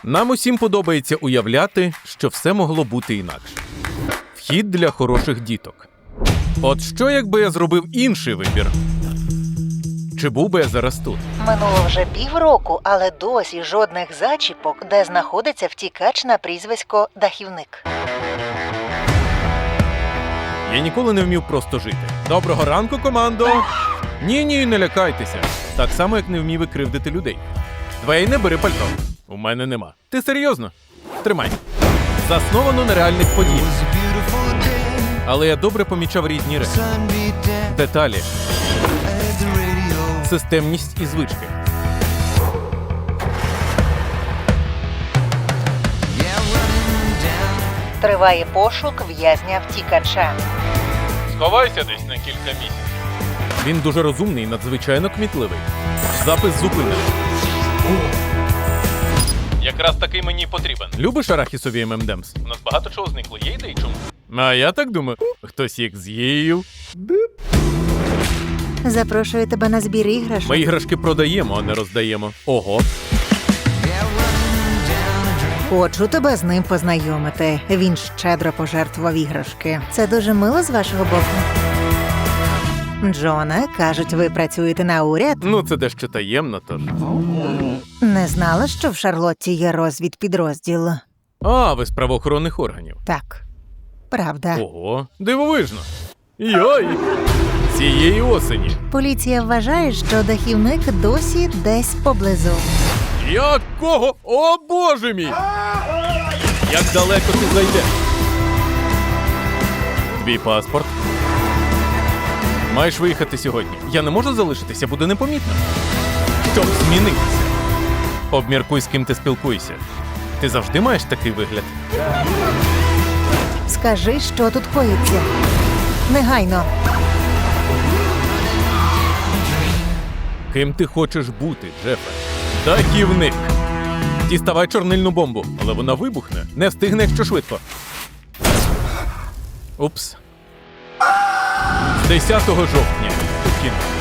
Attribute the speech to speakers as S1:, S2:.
S1: Нам усім подобається уявляти, що все могло бути інакше. Вхід для хороших діток. От що, якби я зробив інший вибір? Чи був би я зараз тут?
S2: Минуло вже півроку, але досі жодних зачіпок, де знаходиться втікач на прізвисько Дахівник.
S1: Я ніколи не вмів просто жити. Доброго ранку, командо! Ні, не лякайтеся. Так само, як не вмів і кривдити людей. Двейне, бери пальто. У мене нема. Ти серйозно? Тримай. Засновано на реальних подіях. Але я добре помічав різні речі. Деталі. Системність і звички.
S2: Триває пошук в'язня-втікача.
S1: Сховайся десь на кілька місяців. Він дуже розумний і надзвичайно кмітливий. Запис зупинений. Якраз такий мені потрібен. Любиш арахісові ММДемс? У нас багато чого зникло. Є ідеї чому? А я так думаю. Хтось їх з'їв.
S2: Запрошую тебе на збір іграшок.
S1: Ми іграшки продаємо, а не роздаємо. Ого.
S2: Хочу тебе з ним познайомити. Він щедро пожертвував іграшки. Це дуже мило з вашого боку. Джоне, кажуть, ви працюєте на уряд?
S1: Ну, це дещо таємно, тож.
S2: Не знала, що в Шарлотті є розвідпідрозділ.
S1: А, ви з правоохоронних органів.
S2: Так, правда.
S1: Ого, дивовижно. Йой! Цієї осені.
S2: Поліція вважає, що Дахівник досі десь поблизу.
S1: Якого? О, Боже мій! Як далеко ти зайдеш? Твій паспорт? Маєш виїхати сьогодні. Я не можу залишитися, буде непомітно. Щоб змінитися. Обміркуй, з ким ти спілкуєшся. Ти завжди маєш такий вигляд?
S2: Скажи, що тут коїться. Негайно.
S1: Ким ти хочеш бути, Джефе? Дахівник. Діставай чорнильну бомбу, але вона вибухне. Не встигне, якщо швидко. Упс. З 10 жовтня у кіно.